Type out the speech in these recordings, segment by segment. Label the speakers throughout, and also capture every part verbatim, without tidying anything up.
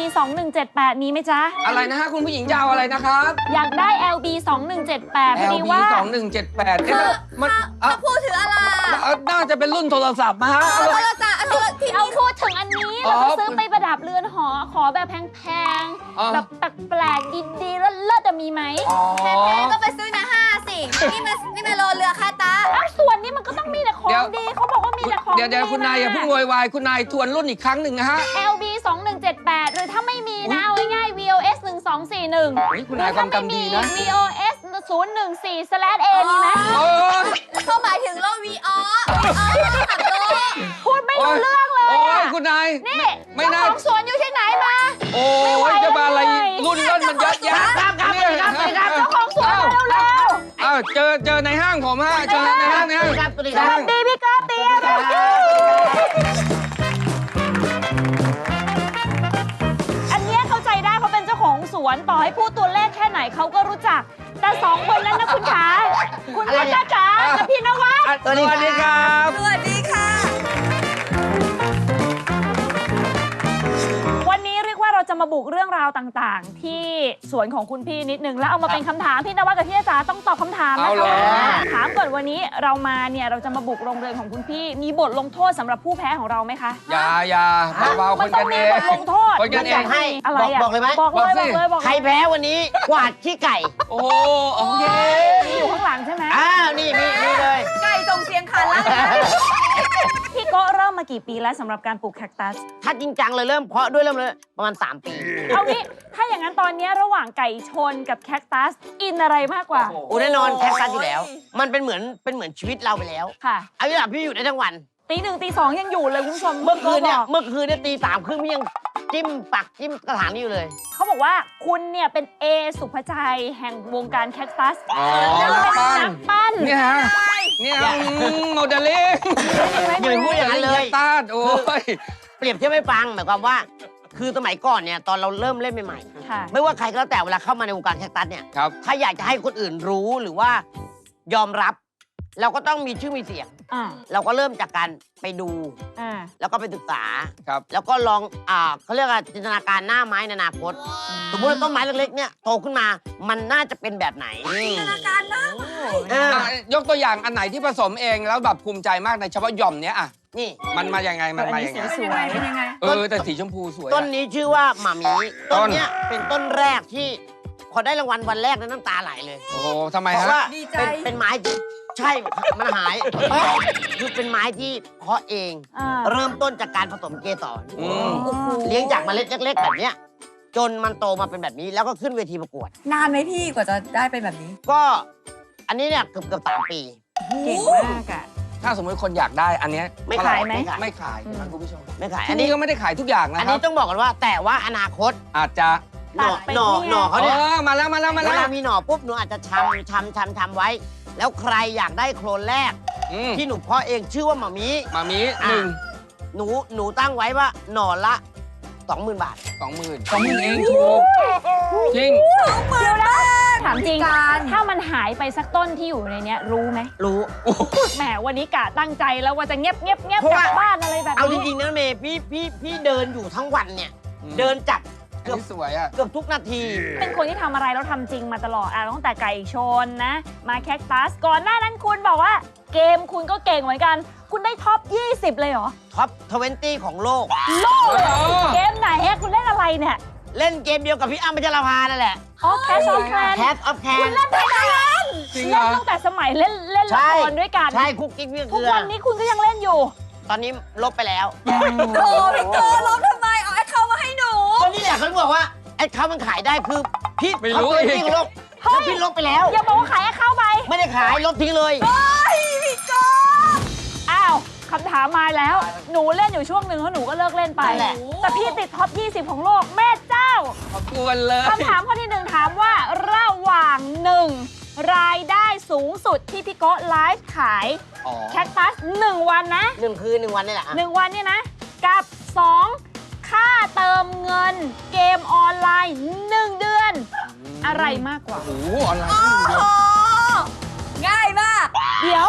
Speaker 1: สองหนึ่งเจ็ดแปดมีไหมจ๊ะ
Speaker 2: อะไรนะฮะคุณผู้หญิงจะเอาอะไรนะครับ
Speaker 1: อยากได้ แอล บี สองหนึ่งเจ็ดแปดพอดีว่า
Speaker 2: แอล บี สองหนึ่งเจ็ดแปด
Speaker 3: คือ
Speaker 2: มัน
Speaker 3: ถ้าพูดถึงอะไร
Speaker 2: น่าจะเป็นรุ่นโทรศัพท์มาฮะ
Speaker 3: โทรศัพท์โทรที่
Speaker 1: เอา
Speaker 3: นี่
Speaker 1: พูดถึงอันนี้
Speaker 2: อ๋อ
Speaker 1: แล้วก็ซื้อไปประดับเรือนหอขอแบบแพง
Speaker 2: อ๋อ
Speaker 1: ๆแบบแปลกๆดีๆแล้วเลิศจะมีไหม
Speaker 2: อ๋อ
Speaker 3: แพงๆก็ไปซื้อนะห้าสินี่มันนี่มันโลเรือคาตา
Speaker 1: อ้าวส่วนนี้มันก็ต้องมีแต่ของดีเขาบอกว่ามีแต่ของ
Speaker 2: เดี๋ยวเดี๋ยวคุณนายอย่าเพิ่งโวยวายคุณนายทวนรุ่นอีกครั้งหนึ่งนะฮะ
Speaker 1: แอล บี สองหนึ่งเจ็ดแปดหรือถ้าไม่มีนะเอาง่ายๆ วี โอ เอส หนึ่งสองสี่หนึ่ง
Speaker 2: นี่คุณนายความจำดีนะ
Speaker 1: วี โอ เอส ศูนย์หนึ่งสี่ เอ มีไหม
Speaker 2: โอ้ย
Speaker 3: เขาหมายถึงโลวีออวีออขับโล
Speaker 1: พูดไม่รู้เรื่องเลย
Speaker 2: โอ้ย
Speaker 1: อะ
Speaker 2: คุณนาย
Speaker 1: นี่
Speaker 2: ไม่น่า
Speaker 1: เจ้าของสวนอยู่ที่ไหนมา
Speaker 2: โอ้ยจะมาอะไรรุ่นเล่นมันเยอะแยะ
Speaker 1: ครับครับ
Speaker 2: เนี่ย
Speaker 1: ครับครับเจ้าของสวนมาเร็ว
Speaker 2: อ้าวเจอเจอในห้างผมฮะเจอในห้างในห้าง
Speaker 4: ครับสวัสดี
Speaker 1: ๆ
Speaker 4: ค
Speaker 1: ส
Speaker 4: รับ
Speaker 1: วัสดีพี่กอล์ฟเตียมอันเนี้ยเข้าใจได้เขาเป็นเจ้าของสวนต่อให้พูดตัวเลขแค่ไหนเขาก็รู้จัก แต่สองคนนั้นนะคุณขาคุณพัชจ๋ากับพี่นวัด
Speaker 2: สวัสดีครับ
Speaker 3: สวัสดีค่ะ
Speaker 1: วันนี้เรียกว่าเราจะมาบุกเรื่องราวต่างๆ ที่สวนของคุณพี่นิดนึงแล้วเอามาเป็นคำถามพี่นวัดกับพี่อาจารย์ต้องตอบคำถามนะ
Speaker 2: เอาเหร
Speaker 1: คะ
Speaker 2: อ
Speaker 1: ถามก่อนวันนี้เรามาเนี่ยเราจะมาบุกโรงเรือนของคุณพี่มีบทลงโทษสำหรับผู้แพ้ของเราไหมคะ
Speaker 2: อย่าอย่าเบาๆค
Speaker 1: มัน
Speaker 2: น
Speaker 1: ต้
Speaker 2: กั
Speaker 1: อน ง
Speaker 2: เอ
Speaker 1: มี
Speaker 2: ง
Speaker 1: บทลงโทษ
Speaker 2: คนกันเอง
Speaker 4: ให้
Speaker 1: อะไร
Speaker 4: บอก
Speaker 1: อะ
Speaker 4: บอกเลยไหม
Speaker 1: บอกเลย
Speaker 2: บอกสิ
Speaker 1: บอกเลยบอกเลย
Speaker 4: ใครแพ้วันนี้กวาดขี้ไก่
Speaker 2: โอ้โหโอเค
Speaker 1: มีอยู่ข้างหลังใช่ไหม
Speaker 4: อ้าว นี่มีมีเลย
Speaker 3: ไก่ส่งเสียงคันแล้ว
Speaker 1: พี่โก็เริ่มมากี่ปีแล้วสำหรับการปลูกแคคตัส
Speaker 4: ถ้าจริงจังเลยเริ่มเพาะด้วยเริ่มเลยประมาณ สาม ปี
Speaker 1: เอางี้ถ้าอย่างนั้นตอนนี้ระหว่างไก่ชนกับแคคตัสอินอะไรมากกว่า
Speaker 4: โอ้แน่นอนแคคตัสอยู่แล้ว มันเป็นเหมือนเป็นเหมือนชีวิตเราไปแล้ว
Speaker 1: ค่ะ
Speaker 4: เอาอย่างพี่อยู่ได้ทั้งวัน
Speaker 1: ตีหนึ่งตีสองยังอยู่เลยคุณผู้ชม
Speaker 4: เมื่อคืนเนี่ย
Speaker 1: ขาบก
Speaker 4: เมื่อคืนเนี่ยตีสามครึ่งพี่ยังจิ้มปักจิ้มกระถางนี่อยู่เลย
Speaker 1: เขาบอกว่าคุณเนี่ยเป็นเอสุภาชัยแห่งวงการแคคตัส
Speaker 2: อ๋อ
Speaker 1: แล้วเป็น
Speaker 2: ปั้น
Speaker 1: นักปั้น
Speaker 2: เนี่ยฮะเนี่ยอืมโมเดลลิ่ง
Speaker 4: อย่าไปพูดอย่างนั้นเลย
Speaker 2: ตาดโอ้ย
Speaker 4: เปรียบเทียบให้ฟังหมายความว่า คือสมัยก่อนเนี่ยตอนเราเริ่มเล่นใหม่
Speaker 1: ค่ะ
Speaker 4: ๆไม่ว่าใครก็แล้วแต่เวลาเข้ามาในวงการแคคตัสเนี่ย
Speaker 2: ครับ
Speaker 4: ถ้าอยากจะให้คนอื่นรู้หรือว่ายอมรับ เราก็ต้องมีชื่อมีเสียง
Speaker 1: อ่า
Speaker 4: เราก็เริ่มจากการไปดู
Speaker 1: อ่า
Speaker 4: แล้วก็ไปศึกษา
Speaker 2: ครับ
Speaker 4: แล้วก็ลองอ่าเขาเรียกว่าจินตนาการหน้าไม้ในอนาคต สมมติว่าต้นไม้เล็กๆเนี่ยโตขึ้นมา มันน่าจะเป็นแบบไหน
Speaker 3: จินตนาการนะ
Speaker 4: เออ
Speaker 2: อ่ะยกตัวอย่างอันไหนที่ผสมเองแล้วแบบภูมิใจมากในเฉพาะหย่อมเนี้ยอ่ะ
Speaker 4: นี่
Speaker 2: มันมายังไงมันมายังไง
Speaker 1: สวยๆ
Speaker 3: เป็นยังไง
Speaker 2: เออแต่สีชมพูสวย
Speaker 4: ต้น
Speaker 2: อะ
Speaker 4: นี้ชื่อว่าหมามี
Speaker 2: ต้
Speaker 4: ต้
Speaker 2: น
Speaker 4: นเนี้ยเป็นต้นแรกที่พอได้รางวัลวันแรกนั้นน้ำตาไหลเลย
Speaker 2: โอ้โหทำไม
Speaker 4: เพราะ
Speaker 2: ฮะ
Speaker 4: ว่า
Speaker 3: ดีใจ
Speaker 4: เป็นเป็นไม้ที่ใช่ มันหายคือเป็นไม้ที่เพาะเอง
Speaker 1: อ่า
Speaker 4: เริ่มต้นจากการผสมเกสร
Speaker 2: อืม
Speaker 1: โอ้โห
Speaker 4: เลี้ยงจากเมล็ดเล็กๆแบบเนี้ยจนมันโตมาเป็นแบบนี้แล้วก็ขึ้นเวทีประกวด
Speaker 3: นานไหมพี่กว่าจะได้เป็นแบบนี้
Speaker 4: ก็อันนี้เนี่ยเกือบเกือบสามปี
Speaker 1: เก่งมากอ่ะ
Speaker 2: ถ้าสมมติคนอยากได้อันเนี้ย
Speaker 4: ไม่
Speaker 2: เท่ร่
Speaker 4: ขายไหม
Speaker 2: ไม่ขายนะคุณผู้ชม
Speaker 4: ไม่ขาย
Speaker 2: อั
Speaker 4: อั
Speaker 2: น
Speaker 4: น
Speaker 2: นี้
Speaker 4: นี้
Speaker 2: ก็ไม่ได้ขายทุกอย่าง
Speaker 4: อั
Speaker 2: นะ
Speaker 4: น
Speaker 2: ครั
Speaker 4: นี้
Speaker 2: บ
Speaker 4: ต้องบอกกันว่า แต่ว่าอนาคต
Speaker 2: อาจจะ
Speaker 4: หน่อ
Speaker 1: ตัดเป็น
Speaker 4: หน่อ
Speaker 1: เนี่ย
Speaker 4: หน่อเขา
Speaker 2: เอ
Speaker 4: เนี่ย
Speaker 2: อมาแล้วมาแล้วมา
Speaker 4: เว
Speaker 2: แล้ว
Speaker 4: ลามีหน่อปุ๊บหนูอาจจะชำชำชำชำไว้ แล้วใครอยากได้โคลนแรก
Speaker 2: อืม
Speaker 4: ที่หนูเพาะเองชื่อว่าหมามี
Speaker 2: มามี
Speaker 4: อ่ะ
Speaker 2: หนึ่ง
Speaker 4: หนูหนูตั้งไว้ว่าหน่อละสองหมื่นบาท
Speaker 2: สองหมื่นสองหมื่นเองถูกจริง
Speaker 1: เดี๋ยวนะถามจริง
Speaker 3: การ
Speaker 1: ถ้ามันหายไปสักต้นที่อยู่ในเนี้ยรู้ไหม
Speaker 4: รู้
Speaker 1: แหมวันนี้กะตั้งใจแล้วว่าจะเงียบเงียบเงียบ
Speaker 4: เพราะ
Speaker 1: กลั
Speaker 4: ว่า
Speaker 1: บบ้านอะไรแบบ
Speaker 4: เอาจ
Speaker 1: นี้
Speaker 4: ริงๆนะเมย์พี่พี่พี่เดินอยู่ทั้งวันเนี่ย
Speaker 2: อืม
Speaker 4: เดินจับ
Speaker 2: อันนี้สวยอ่ะ
Speaker 4: เกือบทุกนาที
Speaker 1: เป็นคนที่ทำอะไรแล้วทำจริงมาตลอดอ่ะตั้งแต่ไก่ชนนะ มาแคคตัสก่อนหน้านั้นคุณบอกว่า เกมคุณก็เก่งเหมือนกัน คุณได้ท็อป ยี่สิบ เลยเหรอ
Speaker 4: ท็อปทเวนตี้ของโลก
Speaker 1: โลกเลยเหรอ
Speaker 2: เออ
Speaker 1: เกมไหนอะคุณเล่นอะไรเนี่ย
Speaker 4: เล่นเกมเดียวกับพี่อ้ำพัชราภานั่นแหละ
Speaker 1: อ๋อแคชออฟแคลน
Speaker 4: แคสออฟแค
Speaker 1: คุ
Speaker 4: น
Speaker 1: ณเล่นเพลงนั้น
Speaker 2: จริงเหร
Speaker 1: เล่น
Speaker 2: อ
Speaker 1: ตั้งแต่สมัยเล่นเล่นละ
Speaker 4: ใช่
Speaker 1: ครด้วยกัน
Speaker 4: ใช่คุกกิ๊กพี่เก
Speaker 1: ทุก
Speaker 4: ลือ
Speaker 1: วันนี้คุณก็ยังเล่นอยู่
Speaker 4: ตอนนี้ลบไปแล้ว
Speaker 3: โอ้พี่โกลบทำไม เอาไอ้เข้ามาให้หนู
Speaker 4: ก็นี่แหละเขาบอกว่าไอ้เขามันขายได้คือพี่
Speaker 2: ไม่รู้
Speaker 4: ท็อปทเวน
Speaker 2: อี
Speaker 4: ตี้
Speaker 2: ก
Speaker 4: ของโลกแล้วพี่ลบไปแล้ว
Speaker 1: อย่าบอกว่าขายให้เข้าไป
Speaker 4: ไม่ได้ขายลบทิ้งเลย
Speaker 3: พี่โก
Speaker 1: อ้าวคำถามมาแล้ว หนูเล่นอยู่ช่วงหนึ่งแล้วหนูก็เลิกเล่นไป
Speaker 4: นั่นแหละ
Speaker 1: แต่พี่ติดท็อป ยี่สิบ ของโลกแม่เจ้า
Speaker 2: ขอบคุณเลย
Speaker 1: คำถามข้อที่หนึ่งถามว่าระหว่างหนึ่งรายได้สูงสุดที่พี่โก้ไลฟ์ขาย
Speaker 2: อ๋อ
Speaker 1: แคคตัสหนึ่งวันนะ
Speaker 4: หนึ่งคืนหนึ่งวันนี่แหละอะ
Speaker 1: หนึ่งวันเนี่ยนะ กับสองค่าเติมเงินเกมออนไลน์หนึ่งเดือน อะไรมากกว่า
Speaker 2: โอ้โหออนไลน์
Speaker 3: โอ้
Speaker 2: เดี
Speaker 3: โห
Speaker 2: ยว
Speaker 3: ง่ายมาก
Speaker 1: เดี๋ยว แต่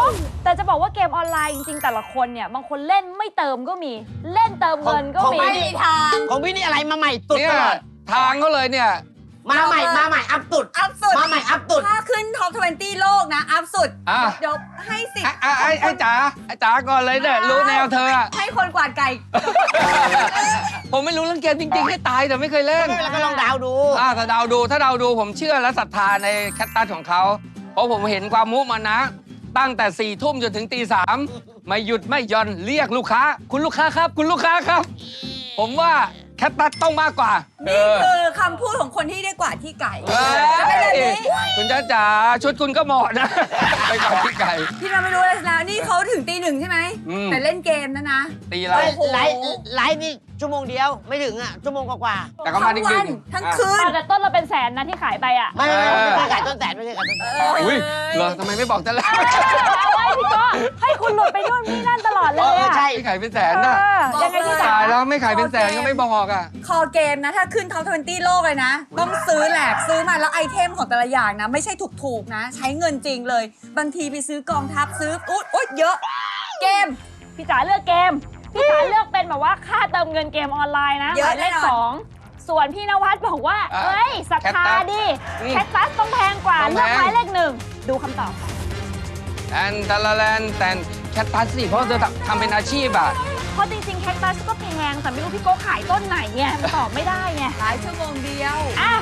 Speaker 1: แต่จะบอกว่าเกมออนไลน์จริงๆแต่ละคนเนี่ยบางคนเล่นไม่เติมก็มีเล่นเติมเงินก็
Speaker 4: ของ
Speaker 1: มี
Speaker 4: ไม่
Speaker 3: ไม่มีทาง
Speaker 4: ของพี่นี่อะไรมาใหม่สุด
Speaker 2: เนี่ย
Speaker 4: ตลอด
Speaker 2: ทางเขาเลยเนี่ย
Speaker 4: มาใหม่มาใหม่อัพสุด
Speaker 3: อัพสุด
Speaker 4: มาใหม่อัพสุด
Speaker 3: ถ้าขึ้นท็อปยี่สิบโลกนะ อัพสุด
Speaker 2: อ่ะ
Speaker 3: เดี๋ยวให้สิบ
Speaker 2: ไอ้ไอ้ไอ้จ๋าไอ้จ๋าก่อนเลยเนี่ยรู้แนวเธออะ
Speaker 3: ให้คนกวาดไก่
Speaker 2: ผมไม่รู้เรื่องเกมจริงๆให้ตายแต่ไม่เคยเล่น
Speaker 4: แล้วก็ลองดาวดู
Speaker 2: อ่าถ้าเดาดูถ้าเดาดูผมเชื่อและศรัทธาในแคตตัสของเขา เพราะผมเห็นความมุมานะ ตั้งแต่สี่ทุ่มจนถึงตีสามไม่หยุดไม่หย่อนเรียกลูกค้า คุณลูกค้าครับ คุณลูกค้าครับ ผมว่าแคตตัสต้องมากกว่า
Speaker 3: นี่คือคำพูดของคนที่ได้กวาดที่ไก่
Speaker 2: เออ
Speaker 3: จะเป็นแบบนี้
Speaker 2: คุณจ้าจ๋าชุดคุณก็เหมาะนะ ไปก่อนที่ไก่
Speaker 3: พี่เราไม่รู้เลยนะนี่เขาถึงตีหนึ่งใช่ไหม
Speaker 2: อืม
Speaker 3: แต่เล่นเกมนะนะ
Speaker 2: ตีอะไร
Speaker 3: โอ้โห
Speaker 4: ไลฟ์ไลฟ์นี่ชั่วโมงเดียวไม่ถึงอ่ะชั่วโมงกว่า
Speaker 2: แต่ก็มาดึ
Speaker 3: ทั้งวัน
Speaker 2: กๆ
Speaker 3: ทั้ง
Speaker 2: อ่ะ
Speaker 3: คืน
Speaker 1: แต่ต้นเราเป็นแสนนะที่ขายไปอ่ะ
Speaker 4: ๆไม่ไม่ไม่ไม่เคยขายต้นแสนไม่เคยขายต้นแสน
Speaker 2: อุ้ยเหรอทำไมไม่บอกแต่แรก
Speaker 1: เอาไว้พี่ก็ให้คุณหลุดไปนู่นนี่นั่นตลอดเล
Speaker 4: เอย อ
Speaker 1: อะ
Speaker 4: ใช่
Speaker 2: ไม่ขายเป็นแสน
Speaker 1: เอ
Speaker 2: นะ
Speaker 1: อยังไงพี่จ๋า
Speaker 2: ตายแล้วไม่ขายเป็นแสนก็ไม่บอกอ่ะ
Speaker 3: คอเกมนะ ถ้าขึ้นท็อปยี่สิบโลกเลยนะ ต้องซื้อแหลกซื้อมาแล้วไอเทมของแต่ละอย่างนะ ไม่ใช่ถูกๆนะ ใช้เงินจริงเลย บางทีไปซื้อกองทัพซื้ออุ๊ยอุ๊ยเยอะ เกม
Speaker 1: พี่จ๋าเลือกเกม พี่จ๋าเลือกเป็นแบบว่าค่าเติมเงินเกมออนไลน์นะ
Speaker 3: เย
Speaker 1: ห
Speaker 3: อะ
Speaker 1: มายเลข
Speaker 3: แน่นอน
Speaker 1: สองส่วนพี่นวัดบอกว่า
Speaker 2: อ่ะ
Speaker 1: เอ้ยศรัทธา
Speaker 2: แคคตัส
Speaker 1: ดิ
Speaker 2: อืม
Speaker 1: แคคตัสต้องแพงกว่า
Speaker 2: ต้อง
Speaker 1: เลือก
Speaker 2: แพง
Speaker 1: หมายเลขหนึ่งดูคำตอบค่ะ
Speaker 2: แอนตาลาแลนแต่แคทตัสสิเพราะเธอทำเป็นอาชีพอ่ะ
Speaker 1: เพราะจริงๆแคคตัสก็แพงแต่ไม่รู้พี่โก้ขายต้นไหนไงมันตอบไม่ได้ไง
Speaker 3: หลายชั่วโมงเดียว
Speaker 1: อ่ะ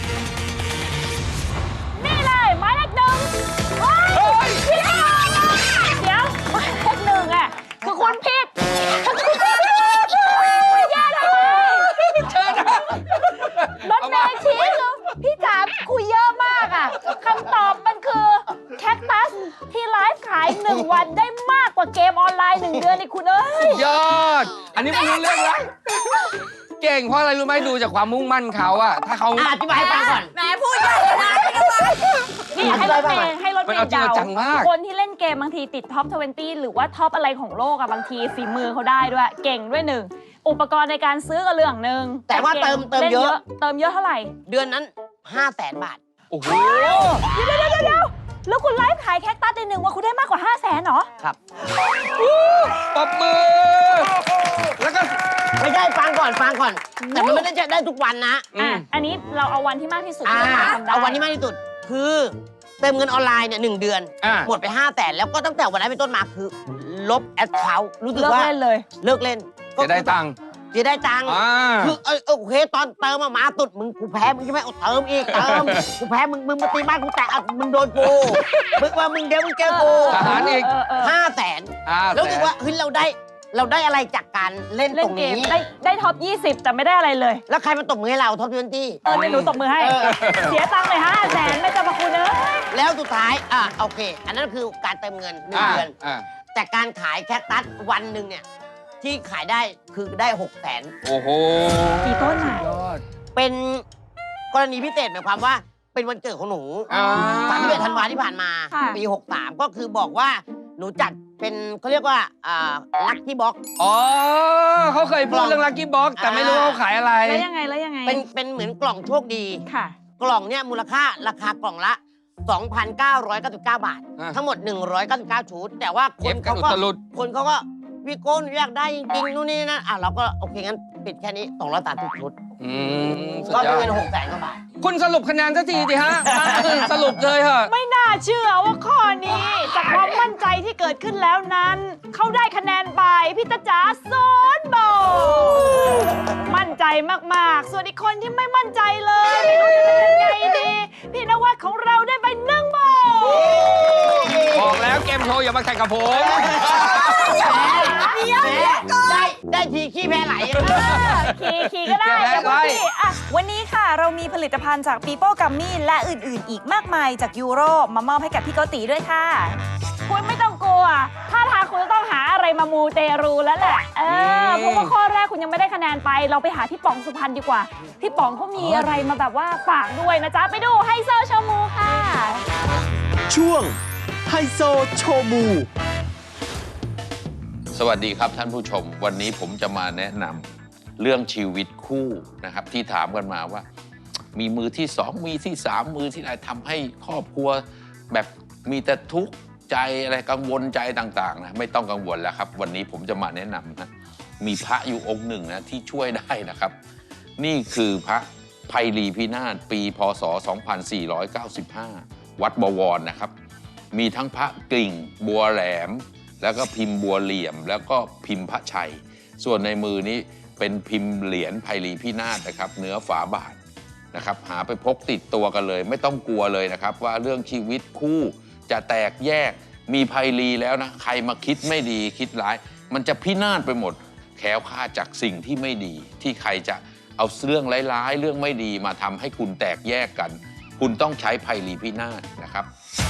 Speaker 1: นี่เลยหมายเลขหนึ่งเฮ้ยพี่จ๋าเดี๋ยวหมายเลขหนึ่งอ่ะคือคุณผิดแย่เลย
Speaker 2: เชิญนะ
Speaker 1: รถเมย์ชี้คือพี่จ๋าคุยเยอะมากอ่ะคำตอบมันคือแคคตัสที่ไลฟ์ขายหนึ่งวันได้มากกว่าเกมออนไลน์หนึ่งเดือนในคุณเอ้ย
Speaker 2: ยอด อันนี้ไม่รู้เรื่องแล้วเก่งเพราะอะไรรู้ไหมดูจากความมุ่งมั่นเขาอะถ้าเขา
Speaker 4: อ่ะอธิบายให้ฟังก่อน
Speaker 3: แหมพูดใหญ่เลยนะพี่นวัด
Speaker 1: นี่ให้รถเมย์ให้รถเม
Speaker 2: มันเอา
Speaker 1: ย์
Speaker 2: จริง
Speaker 1: เดา
Speaker 2: เอาจังมาก
Speaker 1: คนที่เล่นเกมบางทีติดท็อปทเวนตี้หรือว่าท็อปอะไรของโลกอะบางทีฝีมือเขาได้ด้วย เก่งด้วยหนึ่งอุปกรณ์ในการซื้อก็เรื่องหนึ่ง
Speaker 4: แต่ว่า
Speaker 1: ก่ง
Speaker 4: เติมเติม
Speaker 1: ล่น
Speaker 4: เยอะ
Speaker 1: เติมเยอะเท่าไหร่
Speaker 4: เดือนนั้นห้าแสนบาท
Speaker 2: โอ้โห
Speaker 1: เดี๋ยวเดี๋ยวเดี๋ยวเดี๋ยวแล้วคุณไลฟ์ขายแคคตัสในหนึ่งวันคุณได้มากกว่าห้าแสนเหรอ
Speaker 4: ครับ
Speaker 2: ปรบมือ แล้วก็
Speaker 4: ไม่ได้ฟังก่อนฟังก่อน แต่มันไม่ได้จะได้ทุกวันนะ
Speaker 2: อื
Speaker 1: อ่ะ
Speaker 2: ม
Speaker 1: อันนี้เราเอาวันที่มากที่สุด
Speaker 4: อ่า
Speaker 1: ที่เราทำได้
Speaker 4: เอาวันที่มากที่สุด คือเติมเงินออนไลน์เนี่ยหนึ่งเดือน
Speaker 2: อ่า
Speaker 4: หมดไปห้าแสนแล้วก็ตั้งแต่วันนั้นเป็นต้นมาคือ ลบแอดเคาท์รู้สึก
Speaker 1: เลิก
Speaker 4: ว่า
Speaker 1: เล่นเลย
Speaker 4: เลิกเล่น
Speaker 2: จะได้ตังค์
Speaker 4: จะได้ตังค์
Speaker 2: อ่า
Speaker 4: คือเออเออโอเคตอนเติมมามาตุดมึงกูแพ้มึงใช่ไหมเอาเติมอีกเติมกูแพ้มึงมึงมาตีบ้านกูแตะอ่ะมึงโดนกูมึงว่ามึงเดี๋ยวมึงเจอกู
Speaker 2: ทหารอีก
Speaker 1: เเ
Speaker 4: ห้าแสน
Speaker 2: อ่า
Speaker 4: แล้วรู้สึกว่าเฮ้ยเราได้เราได้อะไรจากการเล่น
Speaker 1: เล่
Speaker 4: ต
Speaker 1: น
Speaker 4: รง
Speaker 1: เกม
Speaker 4: นี้
Speaker 1: ได้ได้ท็อปยี่สิบแต่ไม่ได้อะไรเลย
Speaker 4: แล้วใครมาตบมือให้เราท็อปทเวนตี้
Speaker 1: เออเดี๋ยวหนูตบมือให้
Speaker 4: เออ
Speaker 1: เสียตังค์เลยห้าแสนไม่จะมาคุณเอ้ย
Speaker 4: แล้วสุดท้ายอ่ะโอเค อันนั้นคือการเติมเงินหนึ่ง
Speaker 2: อ่า
Speaker 4: เดือน
Speaker 2: อ่า
Speaker 4: แต่การขายแคคตัสวันหนึ่งเนี่ยที่ขายได้คือได้หกแสน
Speaker 2: โอ้โห
Speaker 1: กี่ต้นอ่ะ
Speaker 2: ยอด
Speaker 4: เป็นกรณีพิเศษหมายความว่าเป็นวันเกิดของหนู
Speaker 2: อ่า
Speaker 4: สามสิบเอ็ดธันวาที่ผ่านมา
Speaker 1: ค่ะ
Speaker 4: ปีหกสามก็คือบอกว่าหนูจัดเป็นเขาเรียกว่าอ่าลัคกี้บ็อก
Speaker 2: อ๋อเขาเคยพูดเรื่องลั c กี้บ็อกแต่ไม่รู้ว่าเขาขายอะไร
Speaker 1: แล้วยังไงแล้วยังไง
Speaker 4: เป็นเป็นเหมือนกล่องโชคดี
Speaker 1: ค่ะ
Speaker 4: กล่องเนี่ยมูลค่าราคากล่องละ สองพันเก้าร้อยเก้าสิบเก้า บาท
Speaker 2: อ่า
Speaker 4: ทั้งหมด หนึ่งร้อยเก้าสิบเก้า ชุด แต่ว่าค
Speaker 2: เก็
Speaker 4: น
Speaker 2: บกัน
Speaker 4: เขา
Speaker 2: อุ
Speaker 4: ก็
Speaker 2: ตลุด
Speaker 4: คนเขาก็พี่โก้หนูอยากได้จริงๆนู่นนี่นั่นอ่ะเราก็โอเคงั้นปิดแค่นี้สองร้อยสามสิบชุด
Speaker 2: อืมสุด
Speaker 4: ก็
Speaker 2: ย
Speaker 4: เป็น
Speaker 2: อด
Speaker 4: เงินหกแสนกว่าบาท
Speaker 2: คุณสรุปคะแนนสักทีดิฮะ สรุปเลยเหอะ
Speaker 1: ไม่น่าเชื่อว่าข้อนี้จากความมั่นใจที่เกิดขึ้นแล้วนั้น เขาได้คะแนนไปพี่ตาจ๋าศูนย์โบมั่นใจมากๆ ส่วนอีกคนที่ไม่มั่นใจเลยไม่รู้จะเป็นยังไงดี พี่นวัดของเราได้ไปหนึ่งโบ
Speaker 2: บอกแล้วเกมโชว์อย่ามาแข่งกับผม
Speaker 4: เดี๋ยวได้ได้ทีขี้แพ้ไหล
Speaker 1: ขี่ขี่ก็ได้
Speaker 2: แกะ
Speaker 1: แต่
Speaker 2: ไว้
Speaker 1: ว่าพี่อ่ะ
Speaker 5: วันนี้ค่ะเรามีผลิตภัณฑ์จากปีโป้กัมมี่และอื่นๆ อีกมากมายจากยูโรมามอบให้กับพี่โกติด้วยค่ะ
Speaker 1: คุณไม่ต้องกลัว ถ้าทางคุณจะต้องหาอะไรมามูเตรูแล้วแหละ เออ เพราะว่าข้อแรกคุณยังไม่ได้คะแนนไป เราไปหาพี่ป๋องสุพรรณดีกว่า พี่ป๋องเขามีอะไรมาแบบว่าฝากด้วยนะจ๊ะ ไปดูไฮโซโชว์มูค่ะ
Speaker 6: ช่วงไฮโซโชว์มู
Speaker 7: สวัสดีครับท่านผู้ชม วันนี้ผมจะมาแนะนำเรื่องชีวิตคู่นะครับ ที่ถามกันมาว่า มีมือที่สองมีที่สามมือที่ไหนทำให้ครอบครัวแบบมีแต่ทุกข์ใจอะไรกังวลใจต่างๆนะไม่ต้องกังวลแล้วครับ วันนี้ผมจะมาแนะนำนะมีพระอยู่องค์หนึ่งนะที่ช่วยได้นะครับ นี่คือพระไพลีพินาศปีพศ สองพันสี่ร้อยเก้าสิบห้า วัดบวรนะครับ มีทั้งพระกิ่งบัวแหลม แล้วก็พิมพ์บัวเหลี่ยม แล้วก็พิมพ์พระชัย ส่วนในมือนี้เป็นพิมพ์เหรียญไพลีพินาศนะครับเนื้อฝาบาทนะครับหาไปพกติดตัวกันเลย ไม่ต้องกลัวเลยนะครับว่าเรื่องชีวิตคู่จะแตกแยกมีไพลีแล้วนะใครมาคิดไม่ดีคิดร้าย มันจะพินาศไปหมดแคล้วคลาดจากสิ่งที่ไม่ดี ที่ใครจะเอาเรื่องร้ายๆเรื่องไม่ดีมาทำให้คุณแตกแยกกัน คุณต้องใช้ไพลีพินาศนะครับ